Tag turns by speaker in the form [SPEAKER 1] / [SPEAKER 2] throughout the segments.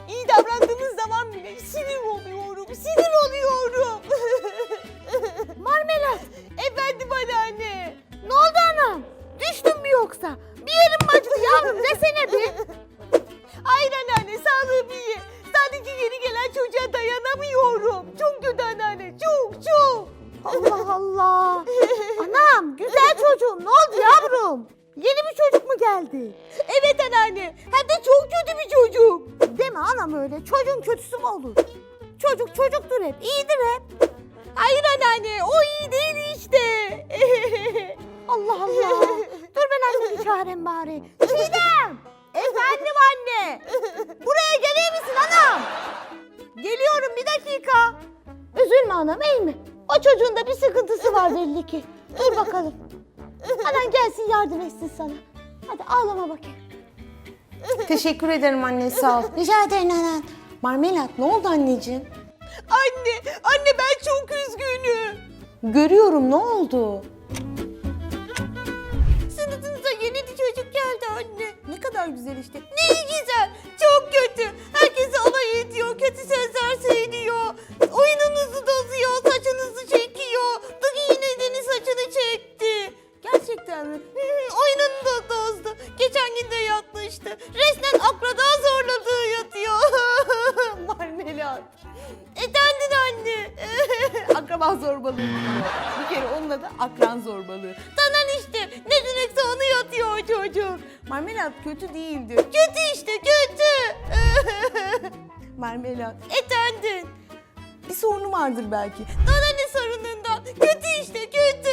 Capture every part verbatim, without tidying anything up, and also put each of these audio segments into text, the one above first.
[SPEAKER 1] iyi davrandığınız zaman bile sinir oluyorum, sinir oluyorum.
[SPEAKER 2] Marmelat,
[SPEAKER 1] Efendim anneanne.
[SPEAKER 2] ne oldu anam? Düştün mü yoksa? Bir yerin mi acıdı yavrum, desene bir.
[SPEAKER 1] Hayır anneanne, sağlığım iyi. Sadece yeni gelen çocuğa dayanamıyorum. Çok kötü anneanne, çok çok.
[SPEAKER 2] Allah Allah. Anam, güzel çocuğum, ne oldu yavrum? Yeni bir çocuk mu geldi?
[SPEAKER 1] Evet anneanne, hem de çok kötü bir çocuk.
[SPEAKER 2] Deme anam öyle, çocuğun kötüsü mü olur? Çocuk çocuktur hep, iyidir hep.
[SPEAKER 1] Hayır anneanne, o iyi değil işte.
[SPEAKER 2] Allah Allah. Dur ben annemi çağırayım bari. Çiğdem. Efendim anne. Buraya gelir misin anam? Geliyorum bir dakika. Üzülme anam, iyi mi? O çocuğun da bir sıkıntısı var belli ki. Dur bakalım. Anan gelsin yardım etsin sana. Hadi ağlama bakayım.
[SPEAKER 3] Teşekkür ederim anne, sağ ol.
[SPEAKER 2] Rica ederim anan.
[SPEAKER 3] Marmelat, ne oldu anneciğim?
[SPEAKER 1] Anne, anne ben çok üzgünüm.
[SPEAKER 3] Görüyorum, ne oldu?
[SPEAKER 1] Sınıfınıza yeni bir çocuk geldi anne. Ne kadar güzel işte. Ne güzel. Çok kötü. Herkese alay ediyor. Kötü sözler söylüyor. Oyununuzu bozuyor. Saçınızı çekiyor. Dıgı yine Deniz saçını çekti. Gerçekten mi? Hı, oyununu da bozdu. Geçen gün de yatmıştı. Resmen akrada zorladığı yatıyor. Marmelat. Efendim anne.
[SPEAKER 3] Akraba zorbalığı diyor. Bir kere onun adı akran zorbalığı.
[SPEAKER 1] Tanan işte. Ne demekse onu yatıyor o çocuk.
[SPEAKER 3] Marmelat kötü değildi.
[SPEAKER 1] Kötü işte kötü.
[SPEAKER 3] Marmelat,
[SPEAKER 1] Efendim.
[SPEAKER 3] bir sorunu vardır belki.
[SPEAKER 1] Bana ne sorunundan? Kötü işte kötü.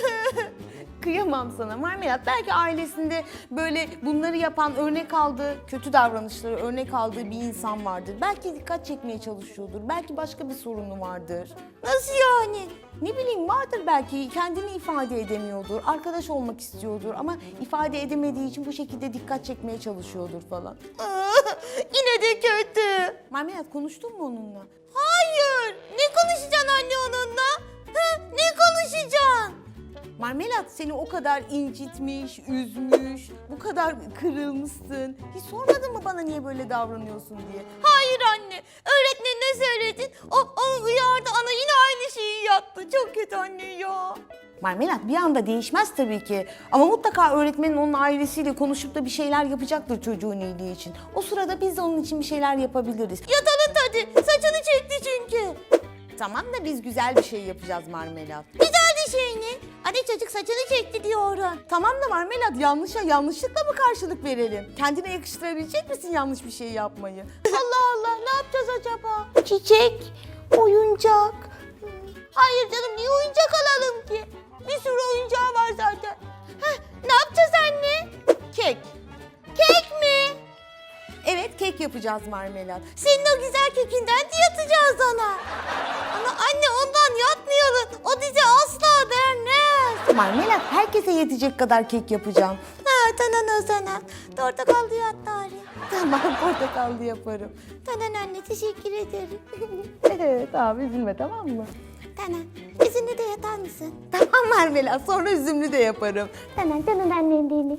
[SPEAKER 3] Kıyamam sana Marmelat. Belki ailesinde böyle bunları yapan, örnek aldığı, kötü davranışları örnek aldığı bir insan vardır. Belki dikkat çekmeye çalışıyordur. Belki başka bir sorunu vardır.
[SPEAKER 1] Nasıl yani?
[SPEAKER 3] Ne bileyim, vardır belki, kendini ifade edemiyordur, arkadaş olmak istiyordur ama ifade edemediği için bu şekilde dikkat çekmeye çalışıyordur falan.
[SPEAKER 1] Yine de kötü.
[SPEAKER 3] Marmelat, konuştun mu onunla?
[SPEAKER 1] Hayır. Ne konuşacaksın anne onunla? Ha, ne konuşacaksın?
[SPEAKER 3] Marmelat seni o kadar incitmiş, üzmüş, bu kadar kırılmışsın. Hiç sormadın mı bana niye böyle davranıyorsun diye?
[SPEAKER 1] Hayır anne. Öğretmenine söyledin. O, o uyardı. Ana yine aynı şeyi yaptı. Çok kötü anne ya.
[SPEAKER 3] Marmelat bir anda değişmez tabii ki. Ama mutlaka öğretmenin onun ailesiyle konuşup da bir şeyler yapacaktır çocuğun iyiliği için. O sırada biz de onun için bir şeyler yapabiliriz.
[SPEAKER 1] Yatalım hadi. Saçını çekti çünkü.
[SPEAKER 3] Tamam da biz güzel bir şey yapacağız Marmelat.
[SPEAKER 1] Güzel bir şey ne? Anne çocuk saçını çekti diyorum.
[SPEAKER 3] Tamam da Marmelat, yanlışa yanlışlıkla mı karşılık verelim? Kendine yakıştırabilecek misin yanlış bir şey yapmayı?
[SPEAKER 1] Allah Allah ne yapacağız acaba?
[SPEAKER 2] Çiçek, oyuncak.
[SPEAKER 1] Hayır canım niye oyuncak alalım ki? Bir sürü oyuncağı var zaten. Heh, ne yapacağız anne?
[SPEAKER 3] Kek.
[SPEAKER 1] Kek mi?
[SPEAKER 3] Evet, kek yapacağız Marmelat.
[SPEAKER 1] Senin o güzel kekinden de yatacağız ona. Ama anne ondan yatmayalım. O bize asla vermez.
[SPEAKER 3] Marmelat, herkese yetecek kadar kek yapacağım.
[SPEAKER 1] Ha tanan o zaman. Portakallı yat bari.
[SPEAKER 3] Tamam, portakallı yaparım.
[SPEAKER 1] Tanan anne teşekkür ederim.
[SPEAKER 3] Evet abi, üzülme, tamam mı?
[SPEAKER 1] Tanan bizimle de yatar mısın?
[SPEAKER 3] Tamam Marmelat, sonra üzümlü de yaparım.
[SPEAKER 2] Hemen canım annem benim.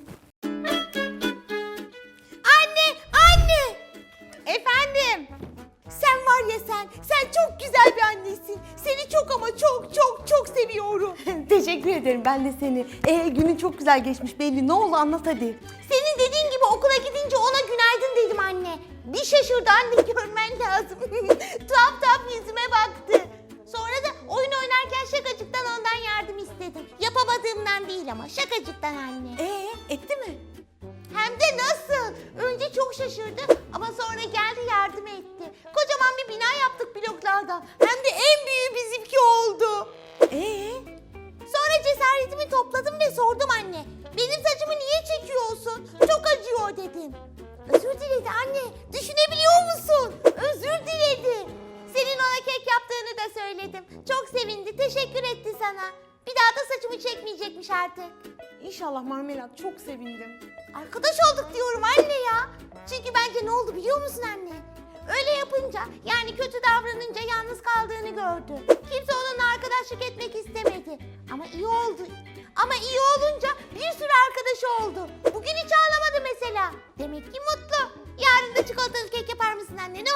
[SPEAKER 1] Anne anne.
[SPEAKER 3] Efendim?
[SPEAKER 1] Sen var ya sen. Sen çok güzel bir annesin. Seni çok ama çok çok çok seviyorum.
[SPEAKER 3] Teşekkür ederim, ben de seni. Ee, günün çok güzel geçmiş belli. Ne oldu, anlat hadi.
[SPEAKER 1] Senin dediğin gibi okula gidince ona günaydın dedim anne. Bir şaşırdı anne görmen lazım. Tuhaf tuhaf yüzüme baktı. Sonra da oyun oynarken şakacıktan ondan yardım istedim. Yapamadığımdan değil ama şakacıktan anne.
[SPEAKER 3] Ee, etti mi?
[SPEAKER 1] Hem de nasıl? Önce çok şaşırdı ama sonra geldi yardım etti. Kocaman bir bina yaptık bloklardan. Hem de en büyüğü bizimki oldu.
[SPEAKER 3] Ee?
[SPEAKER 1] Sonra cesaretimi topladım ve sordum anne. Benim saçımı niye çekiyorsun? Çok acıyor dedim. Özür diledi anne. Düşünebiliyor musun? Özür diledi. Senin ona kek yaptığını da söyledim. Çok sevindi. Teşekkür etti sana. Bir daha da saçımı çekmeyecekmiş artık.
[SPEAKER 3] İnşallah Marmelat, çok sevindim.
[SPEAKER 1] Arkadaş olduk diyorum anne ya. Çünkü bence ne oldu biliyor musun anne? Öyle yapınca yani kötü davranınca yalnız kaldığını gördü. Kimse onunla arkadaşlık etmek istemedi. Ama iyi oldu. Ama iyi olunca bir sürü arkadaşı oldu. Bugün hiç ağlamadı mesela. Demek ki mutlu. Yarın da çikolatalı kek yapar mısın anne? Ne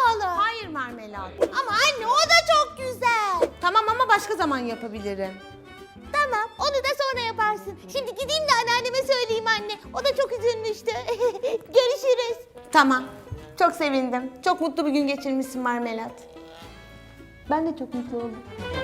[SPEAKER 3] başka zaman yapabilirim.
[SPEAKER 1] Tamam, onu da sonra yaparsın. Şimdi gideyim de anneanneme söyleyeyim anne. O da çok üzülmüştü. Görüşürüz.
[SPEAKER 3] Tamam. Çok sevindim. Çok mutlu bir gün geçirmişsin Marmelat. Ben de çok mutlu oldum.